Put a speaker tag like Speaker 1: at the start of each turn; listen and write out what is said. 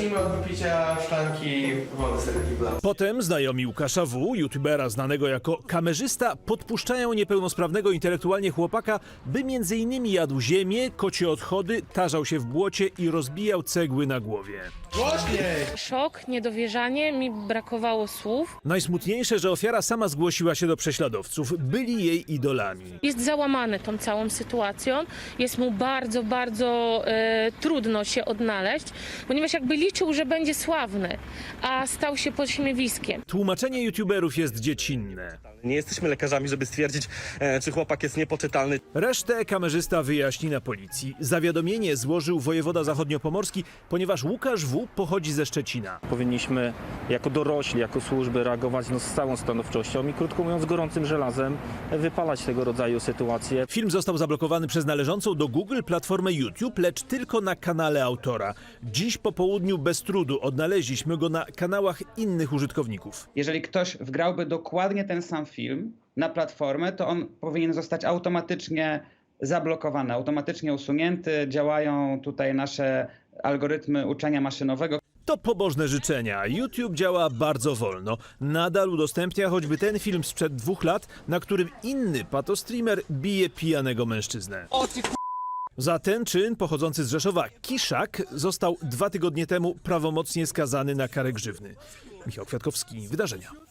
Speaker 1: zacznijmy od wypicia szklanki wody z tego kibla.
Speaker 2: Potem znajomi Łukasza W., youtubera znanego jako kamerzysta, podpuszczają niepełnosprawnego intelektualnie chłopaka, by m.in. jadł ziemię, kocie odchody, tarzał się w błocie i rozbijał cegły na głowie.
Speaker 1: Głośniej!
Speaker 3: Szok, niedowierzanie, mi brakowało słów.
Speaker 2: Najsmutniejsze, że ofiara sama zgłosiła się do prześladowców. Byli jej idolami.
Speaker 3: Jest załamany tą całą sytuacją. Jest mu bardzo, bardzo trudno się odnaleźć, ponieważ jakby liczył, że będzie sławny, a stał się pośmiewiskiem.
Speaker 2: Tłumaczenie youtuberów jest dziecinne.
Speaker 4: Nie jesteśmy lekarzami, żeby stwierdzić, czy chłopak jest niepoczytalny.
Speaker 2: Resztę kamerzysta wyjaśni na policji. Zawiadomienie złożył wojewoda zachodniopomorski, ponieważ Łukasz W. pochodzi ze Szczecina.
Speaker 5: Powinniśmy jako dorośli, jako służby reagować z całą stanowczością i krótko mówiąc gorącym żelazem wypalać tego rodzaju sytuacje.
Speaker 2: Film został zablokowany przez należącą do Google platformę YouTube, lecz tylko na kanale autora. Dziś po południu bez trudu odnaleźliśmy go na kanałach innych użytkowników.
Speaker 6: Jeżeli ktoś wgrałby dokładnie ten sam film na platformę, to on powinien zostać automatycznie zablokowany, automatycznie usunięty. Działają tutaj nasze algorytmy uczenia maszynowego.
Speaker 2: To pobożne życzenia. YouTube działa bardzo wolno. Nadal udostępnia choćby ten film sprzed 2 lat, na którym inny patostreamer bije pijanego mężczyznę. Za ten czyn pochodzący z Rzeszowa Kiszak został 2 tygodnie temu prawomocnie skazany na karę grzywny. Michał Kwiatkowski, Wydarzenia.